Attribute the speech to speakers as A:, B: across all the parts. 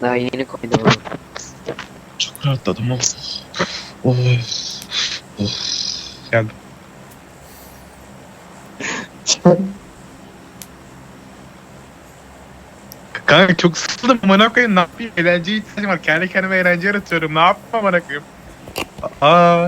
A: Daha yeni koydum onu.
B: Çok rahatladım oğlum. Oh. Oh. Geldim. Kanka çok sıkıldım. Amına koyayım, ne yapayım? Eğlenceye ihtiyacım var. Kendi kendime eğlence yaratıyorum. Ne yapayım amına koyayım? Aa.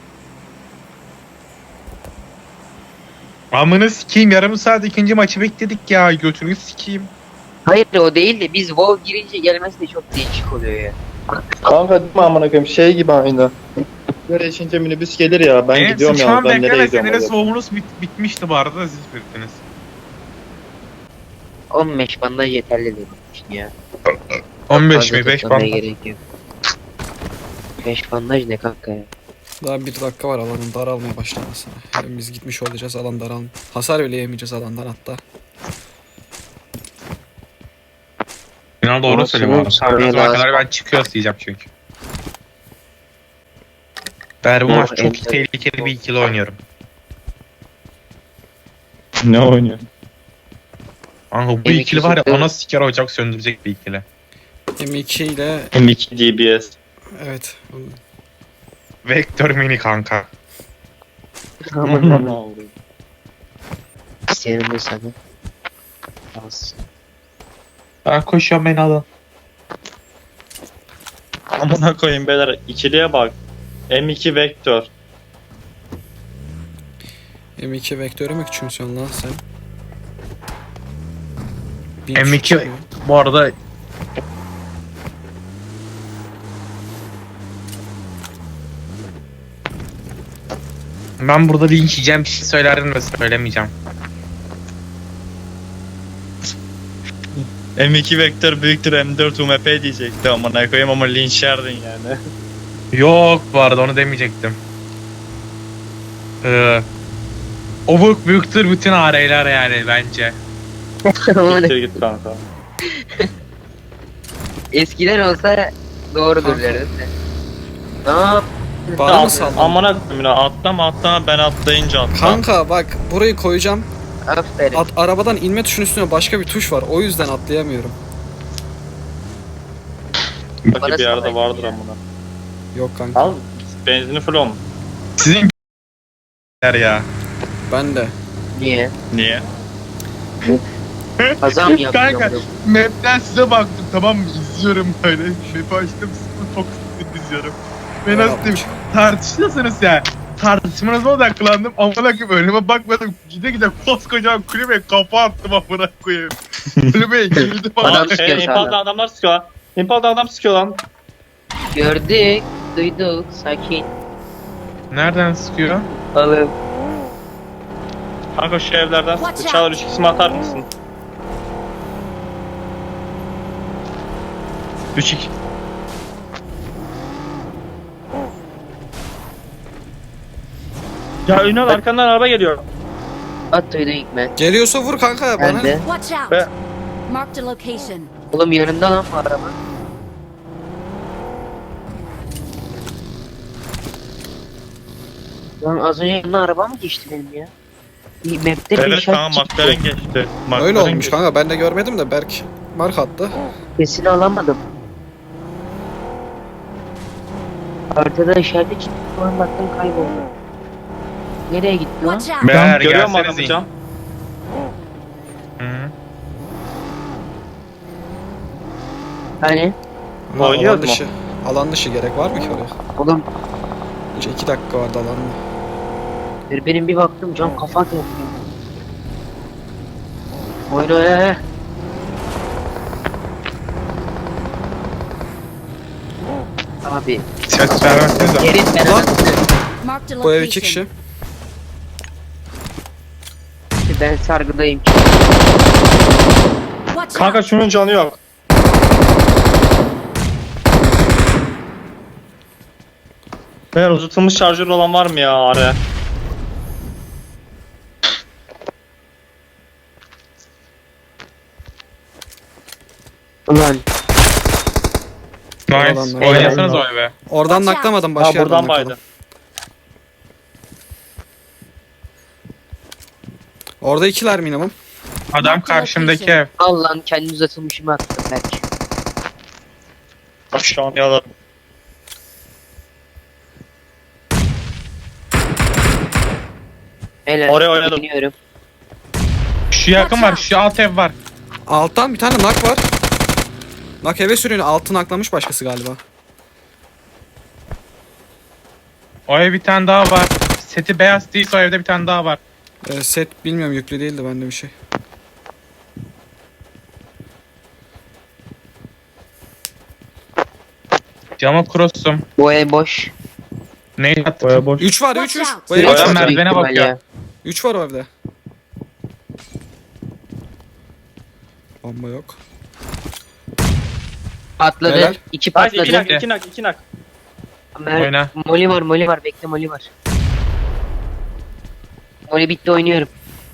B: Amına sikeyim, yarım saat ikinci maçı bekledik ya. Götünü sikeyim.
A: Hayır o değil de biz WoW girince gelmesi de çok değişik oluyor ya.
C: Kanka değil mi amına koyayım şey gibi aynı. Böyle içince minibüs gelir ya ben gidiyorum ya
B: Sıçmam
C: ben nereye
B: bekleme,
C: gidiyorum
B: senin
C: acaba?
B: soğumunuz bitmişti bu arada, siz bittiniz.
A: 15 bandaj yeterli demiş ya.
B: 15
A: Fazla
B: mi? 5
A: toplamaya
B: bandaj.
A: gerek yok. 5 bandaj ne kanka ya?
D: Daha bir dakika var alanın daralmaya başlamasına. Hem biz gitmiş olacağız alan daral. Hasar bile yemeyeceğiz alandan hatta.
B: İnan doğru
A: Olsun,
B: söylüyorum abi.
A: sanmaya
B: Sonra
A: lazım.
B: kadar ben çıkıyoruz diyeceğim çünkü. Ben bu
A: Doğru,
B: maç çok
A: evet.
B: tehlikeli bir ikili oynuyorum.
C: Ne oynuyor?
B: Kanka bu
A: M2
B: ikili var ya,
A: çıktı.
B: ana siker ocak söndürecek bir ikili.
D: M2 ile
C: M2 DBS.
D: evet.
B: Vektör mini kanka.
A: Senin de sana. Az.
B: Ben koşuyorum, beni alın.
C: Amına koyayım beyler ikiliye bak. M2 Vektör.
D: M2 vektörü mü küçümsüyorsun lan sen?
B: M2 bu arada ben burada linç yiyeceğim bir şey söylerdim de söylemeyeceğim.
C: M2 Vektör büyüktür M4 UMP diyecekti amına koyayım ama linç yerdin yani.
B: Yok, bu arada onu demeyecektim. Obuk büyüktür bütün araylar yani bence.
C: Siktir git kanka.
A: Eskiden olsa doğrudur
D: Kanka.
A: derdim de. Ne yap?
D: Bana mı saldın?
C: Amına koyayım ya atlama ben atlayınca atla.
D: Kanka bak burayı koyacağım.
A: Aferin.
D: Arabadan inme tuşunun üstüne başka bir tuş var. O yüzden atlayamıyorum.
C: Belki
A: Bana
C: bir yerde
A: sallayın
C: vardır
A: ya.
C: amına.
D: Yok kanka.
C: Al benzini full on.
B: Sizin ya.
D: Ben de.
A: Niye?
C: Niye?
A: Kazam yapıyorum.
B: Kanka map'ten size baktım, tamam mı, izliyorum böyle. Map'i açtım, sıfır fokusunu izliyorum. Ve
D: Ya,
B: nasıl diyeyim, tartışıyorsunuz ya. Tartışmanıza odaklandım, amına koyayım, önüme bakmadım, gide gide koskocaman kulübeye kafa attım amına koyayım. Kulübeye girdim
A: Adam
B: ama.
A: sıkıyor
C: Impal'da
A: sana.
C: adamlar sıkıyor lan. Impal'da adam sıkıyor lan.
A: Gördük. Duyduk. Sakin.
B: Nereden sıkıyor?
A: Oğlum.
C: Kanka şu evlerden
E: Watch
C: sıktı.
E: out.
C: Çağlar 3 kısmı atar mısın?
B: 3-2.
C: Ya Ünal arkandan araba geliyor.
A: At duydun Hikmet.
D: Geliyorsa vur kanka bana.
A: Ben de.
E: Watch out!
C: Be-
E: Marked a location.
A: Oğlum yanında lan bu araba. Lan az önce yanına araba mı geçti benim ya? Bir map'te bir
C: Evet
A: işaret
C: kanka
A: çıktı.
C: McLaren geçti.
D: Öyle olmuş
C: geçti.
D: kanka ben de görmedim de Berk mark attı.
A: Sesini alamadım. Haritada işaret çıktı. Sonra baktım kayboldu. Nereye gitti lan?
E: Watch out!
B: Beyler
C: Görüyor musun adamı
B: gelsenize.
C: Can?
B: Hı.
A: Hani?
D: Ha,
C: Oynuyor
D: alan
C: mu?
D: dışı. Alan dışı gerek var mı ki oraya?
A: Oğlum
D: Önce 2 dakika vardı alanda.
A: benim bir baktım cam kafa atıyor. Oyna ya. Abi
B: Ses vermezsiniz ama.
A: yerin ben
D: Lan.
E: Marked a
D: Bu ev 2
E: location.
D: kişi.
A: Ben sargıdayım.
E: Watch
C: Kanka
E: out!
C: şunun canı yok. Beyler uzatılmış şarjör olan var mı ya araya?
A: Ulan
B: Nice.
D: Adamlar.
B: Oynasanız o eve.
D: Oradan
E: Watch out.
D: naklamadım
C: Ha
D: başka yerden
C: buradan
D: nakladım.
C: baydı.
D: Orada ikiler minimum.
B: Adam karşımdaki ev.
A: al lan kendi uzatılmışımı attım belki.
C: Şu an yalan.
A: Helal.
C: Oraya oynadım.
A: İniyorum.
B: Şu yakın var. Şu alt ev var.
D: Alttan bir tane nak var. Nak eve sürüyor. Altı naklamış başkası galiba.
B: O ev bir tane daha var. Seti beyaz değilse o evde bir tane daha var.
D: Set bilmiyorum, yüklü değildi bende bir şey.
B: Cama cross'um.
A: Bu ev boş.
B: Ne attım?
C: Boya boş.
D: 3 var, 3
E: Watch
D: 3.
E: out.
D: Bu evde
B: Boya
D: üç var.
B: merdivene
A: Büyük ihtimal
B: bakıyor.
A: ya.
D: 3 var o evde. Bomba yok.
A: Patladı.
D: Helal.
A: 2
C: Bak 2
A: patladı.
C: nak 2 nak 2 nak.
B: Oyna.
A: Moli var, moli var. Bekle, moli var. Moli bitti, oynuyorum.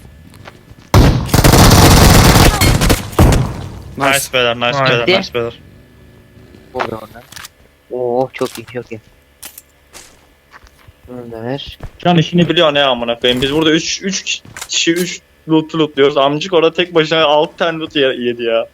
D: Nice.
C: Nice beyler nice
B: Nice.
C: beyler nice beyler.
A: Oluyor oradan. Oo, çok iyi, çok iyi. Bunu da ver.
C: Şu an işini biliyor ne amına koyayım. Biz burada 3 kişi 3 lootluyoruz. Amcık orada tek başına 6 tane loot yedi ya.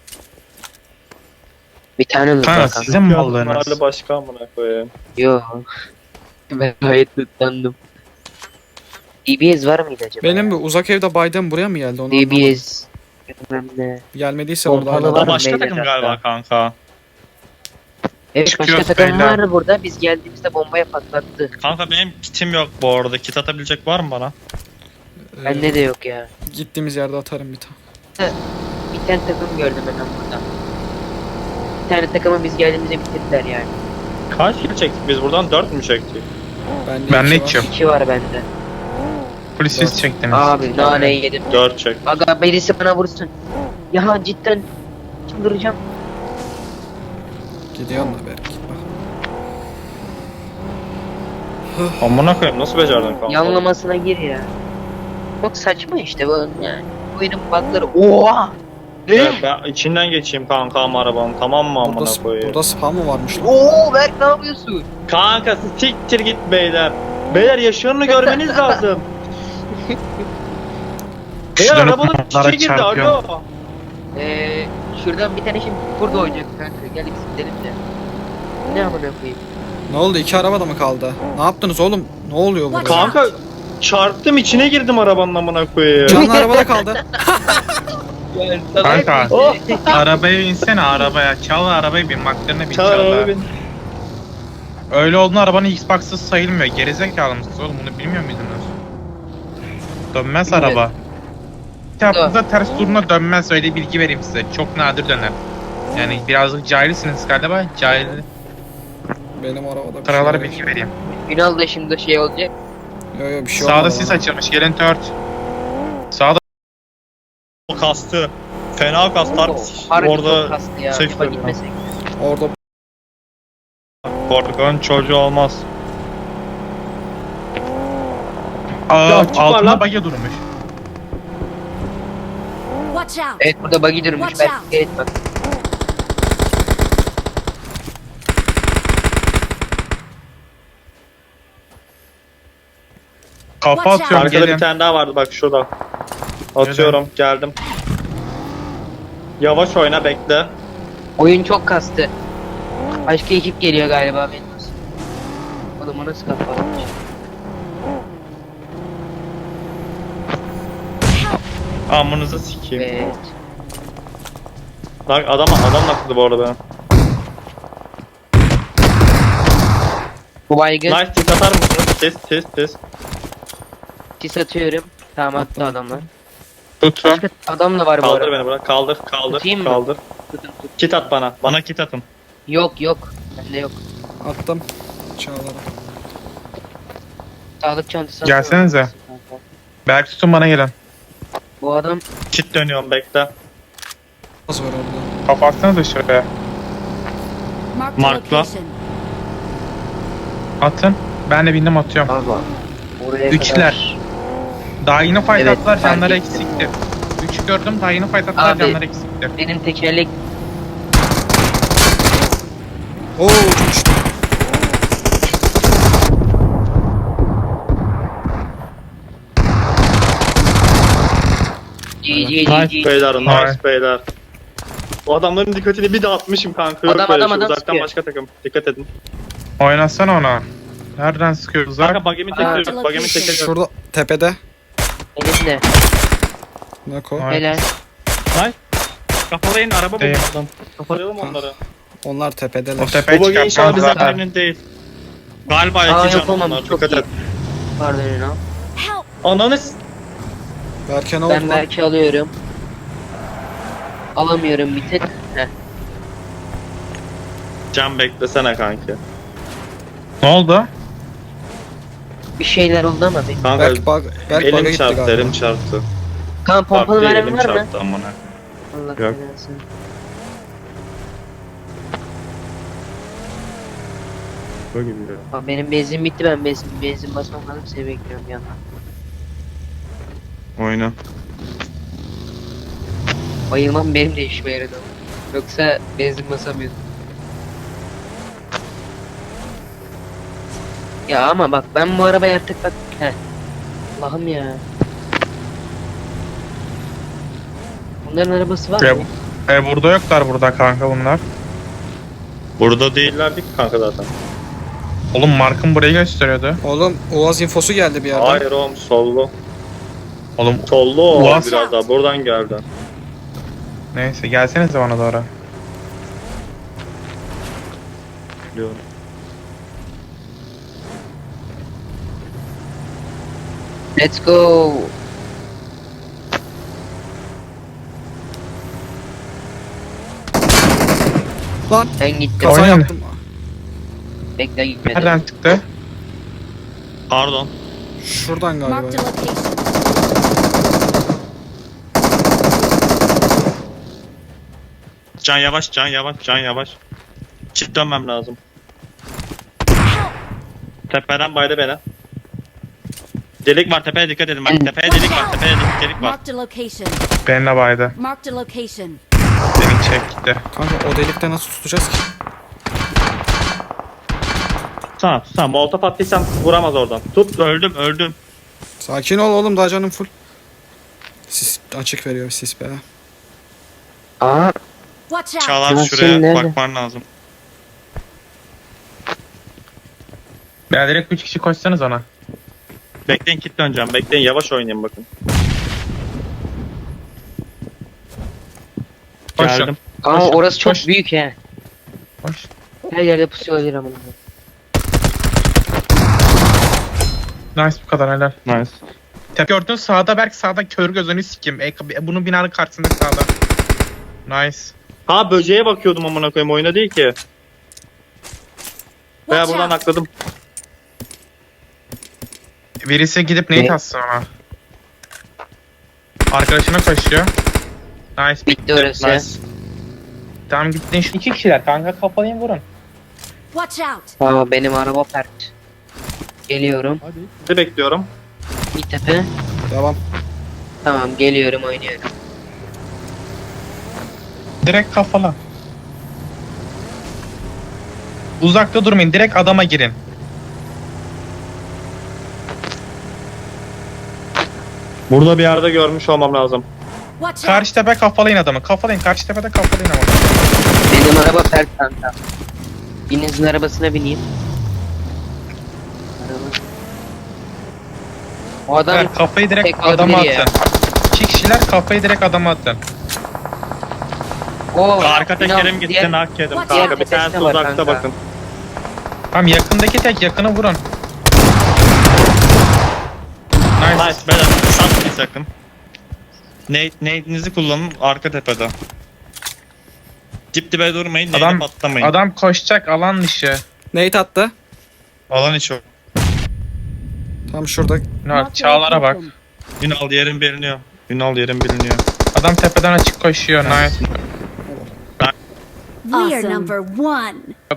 A: Bir tane mi
B: Kanka
A: var kanka?
B: sizin mi
C: Mahalle
B: aldığınız?
C: başka amına koyayım.
A: Yo. Ben gayet tutandım. DBS var mıydı acaba?
D: Benim bu uzak evde Biden buraya mı geldi? Onu anlamadım.
A: DBS. Bilmem ne.
D: Gelmediyse orada
A: Pompalı
D: hala.
A: var
C: O
A: mı
C: başka
A: beyler
C: takım
A: hatta?
C: galiba kanka.
A: Evet,
B: Çıkıyoruz
A: başka takım
B: beyler.
A: var burada. Biz geldiğimizde bombaya patlattı.
C: Kanka benim kitim yok bu arada. Kit atabilecek var mı bana?
A: Bende de yok ya.
D: Gittiğimiz yerde atarım bir tane.
A: Bir tane takım gördüm ben burada. Bir tane takımı biz geldiğimizde bitirdiler yani.
C: Kaç kill çektik biz buradan? 4 mü çektik?
B: Ben ne
D: iki var.
B: içiyorum?
A: 2 var bende.
B: Polisiz çektiniz.
A: Abi naneyi yedim.
C: 4 çek.
A: Aga birisi bana vursun. Ya cidden çıldıracağım.
D: Gidiyorum da belki. Bak.
C: Amına koyayım nasıl becerdin kanka?
A: Yanlamasına gir ya. Çok saçma işte bu yani. Oyunun bug'ları. Oha! Ne?
C: Evet, ben içinden geçeyim kanka ama arabanın tamam mı amına
D: Burada,
C: koyayım?
D: burada spam mı varmış lan?
A: Oo Berk ne yapıyorsun?
C: Kanka siktir git beyler. Beyler yaşlarını görmeniz lazım. Beyler
B: Dönüp
C: arabanın
B: motorlara
C: içine girdi
B: çarpıyor.
C: alo.
A: Şuradan bir tane şimdi burada oynayacak kanka. Gel biz gidelim de. Ne amına koyayım?
D: Ne oldu? 2 araba da mı kaldı? Ne yaptınız oğlum? Ne oluyor burada?
C: Kanka çarptım içine girdim arabanın amına koyayım.
D: Canlı arabada kaldı.
B: Kanka.
C: Oh.
B: Arabaya insene arabaya. Çal arabayı bin. McLaren'e bin.
C: Çağır
B: Çal
C: araba
B: da.
C: bin.
B: Öyle olduğunda arabanın Xbox'sız sayılmıyor. Gerizekalı mısınız oğlum? Bunu bilmiyor muydunuz? Dönmez
A: Bilmiyorum.
B: araba. Yaptığınızda ters duruna dönmez. Öyle bilgi vereyim size. Çok nadir döner. Yani birazcık cahilsiniz galiba. Cahil
D: Benim arabada bir
B: kralara
D: şey
B: bilgi vereyim.
A: Ünal da şimdi şey olacak.
D: Yok yok bir şey
B: Sağda
D: olmadı
B: sis
D: bana.
B: açılmış. Gelin tört. Sağda
C: O kastı. Fena kastar.
A: Harbi çok
C: Orada
A: kastı ya.
C: seç
A: Acaba
C: veriyor.
A: gitmesek.
D: Orada
C: korkan çocuğu olmaz.
B: Aa,
C: çık var
B: altında
C: lan.
B: bagya durmuş.
E: Watch out.
A: Evet burada buggy durmuş.
E: Watch
A: Berk
E: out.
A: gel bak.
B: Kafa
E: Watch out.
B: atıyorum
C: Arkada
B: gelin.
C: bir tane daha vardı bak şurada. Atıyorum geldim. Yavaş oyna bekle.
A: Oyun çok kastı. Başka ekip geliyor galiba benim. Oğlum o nasıl kafa atmış?
C: Amınızı sikeyim.
A: Evet.
C: Lan adam nakladı bu arada benim.
A: Bu baygın.
C: Nice tit atar mısınız? Test.
A: Sis atıyorum. Tamam attı adamlar.
B: Tutun.
A: Başka adam da var bu
C: Kaldır
A: arada.
C: beni bırak. Kaldır.
A: Tutayım mı?
C: Kaldır.
A: Tutun, tut.
C: Kit at bana. Bana kit atın.
A: Yok. Bende yok.
D: attım. Çağlara.
A: Sağlık çantası.
B: Gelsenize.
A: atıyorum.
B: Belki tutun bana gelin.
A: Bu adam
C: Kit dönüyorum bekle.
D: Az var orada.
B: Kafa atsanıza şuraya.
E: Marked a
C: Markla.
E: location.
B: Atın. Ben de bindim atıyorum.
A: abi. Oraya
B: Üçler.
A: kadar.
B: Daha yeni fight
A: Evet,
B: attılar
A: fark
B: canları
A: ettim.
B: eksikti. 3 gördüm daha yeni fight attılar
A: Abi.
B: canları eksikti.
A: Benim tekerlek
D: Oo uçmuştu.
A: GG
C: Nice beyler.
B: Nice.
C: Nice beyler. O adamların dikkatini bir dağıtmışım kanka. Yok
A: Adam,
C: böyle
A: adam,
C: şey.
A: adam
C: Uzaktan
A: sıkıyor.
C: başka takım. Dikkat edin.
B: Oynasana ona. Nereden sıkıyor uzak?
C: Kanka bagemi tekliyorum. Bagemi tekliyorum.
D: Şurada tepede.
A: Elimde.
D: Nako.
B: Ay.
A: Helal.
C: Kafalayın araba
B: Değil.
C: bulun adam. Kafalayalım onları.
D: Onlar tepedeler.
B: O tepeye
C: Bu bagi inşallah
B: çıkartmaz
C: bizden
B: zaten.
C: birinin değil. Galiba
A: Aa,
C: iki can
A: yapamam,
C: onlar.
A: çok
C: Dikkat
A: iyi.
C: et.
A: Pardon Ünal.
E: Help!
C: Ananı
D: Berke ne oldu
A: Ben
D: lan?
A: belki alıyorum. Alamıyorum bir tek. Heh.
C: Can beklesene kanki.
B: Ne oldu?
A: Bir şeyler oldu ama bir.
C: Kanka
D: Berk bug'a
C: elim
D: gitti
C: çarptı,
D: galiba.
C: elim çarptı.
A: Kan pompalı
C: Bak,
A: mermi
C: elim
A: var mı?
C: çarptı amına.
A: Allah
C: Yok.
A: belasını.
C: Böyle gibi ya.
A: Bak benim benzin bitti, ben benzin basmam lazım, seni bekliyorum bir yandan.
C: Oyna.
A: Bayılmam benim de işime yaradı ama. Yoksa benzin basamıyordum. Ya ama bak ben bu arabayı artık bak. Heh. Allah'ım ya. Bunların arabası var
B: Ya,
A: mı?
B: burada yoklar burada kanka bunlar.
C: Burada değillerdi ki kanka zaten.
B: Oğlum Mark'ın burayı gösteriyordu.
D: Oğlum Uaz infosu geldi bir yerden.
C: Hayır oğlum sollu.
B: Oğlum
C: Sollu o
B: Uaz.
C: biraz daha. Buradan geldi.
B: neyse gelsenize bana doğru.
C: Biliyorum.
A: Let's go.
D: Lan
A: Ben gittim.
D: kaza
B: Oynayın.
D: yaptım.
A: Bekle gitmedim.
B: Nereden çıktı?
C: Pardon.
D: Şuradan galiba.
E: Marked a location.
C: Can yavaş, can yavaş, can yavaş. Çift dönmem lazım. Tepeden baydı beni. Delik var tepeye dikkat edin. Bak tepeye delik var, tepeye delik var.
E: Marked a location.
B: Benimle baydı.
E: Marked a location.
B: Beni çekti.
D: Kanka o delikte nasıl tutacağız ki?
C: Tutsana. Molotof attıysan vuramaz oradan. Tut, öldüm, öldüm.
D: Sakin ol oğlum, daha canım full. Sis açık veriyor sis be.
A: Aa,
E: Watch out!
C: Çağlar
A: Yasin
C: şuraya
A: nerede?
C: bakman lazım.
B: Ya direkt 3 kişi koşsanız ona.
C: Bekleyin kit döneceğim. Bekleyin yavaş oynayın bakın.
B: Koşun.
C: Geldim.
A: aa
B: Koş,
A: orası çok
B: koş.
A: büyük he.
B: Koş.
A: Her yerde pusu olabilir ama.
B: Nice bu kadar helal.
C: Nice.
B: Tepe gördün sağda Berk sağda kör gözünü sikim. Bunun binanın karşısında sağda. Nice.
C: Ha böceğe bakıyordum amına koyayım oyuna değil ki. Veya
E: Watch
C: buradan
E: out!
C: akladım.
B: Birisi gidip
A: Ne?
B: nade atsın ona. Arkadaşına koşuyor. Nice.
A: Bitti orası.
C: Nice.
B: Tamam gittin şu 2 kişiler kanka kafalayın vurun.
E: Watch out!
A: Aa benim araba pert. Geliyorum.
C: Sizi bekliyorum.
A: Bir tepe.
D: Devam.
A: Tamam geliyorum, oynuyorum.
B: Direkt kafala. Uzakta durmayın direkt adama girin.
C: Burada bir yerde görmüş olmam lazım.
E: Watch out!
B: Karşı tepe kafalayın adamı. Kafalayın karşı tepede kafalayın ama.
A: Benim araba pert kanka. Birinizin arabasına bineyim. Araba. O adam
B: Ver, kafayı direkt
A: tek
B: adama
A: olabilir ya.
B: atın. 2 kişiler kafayı direkt adama atın.
A: o
C: Arka tekerim
A: Ünal,
C: gitti,
A: diğer-
C: nak yedim
E: Diğer
C: kanka. Bir
A: tepesine
C: tanesi
A: var
C: uzakta
A: kanka.
C: bakın.
B: Tamam yakındaki tek yakını vurun. Nice.
C: Nice beyler satmayın sakın. Nade'inizi kullanın arka tepede. Dip dibe durmayın, nade'e
B: Adam
C: patlamayın.
B: adam koşacak alan dışı.
D: Nate attı.
C: Alan içi o.
D: Tam şurada.
B: Ne Çağlar'a bak.
C: Ünal yerin biliniyor. Ünal yerin biliniyor.
B: Adam tepeden açık koşuyor. Nice.
E: We are number one.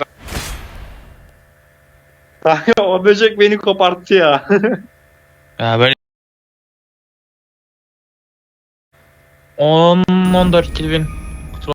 C: Kanka o böcek beni koparttı ya.
B: Ya böyle 10-14 kill win.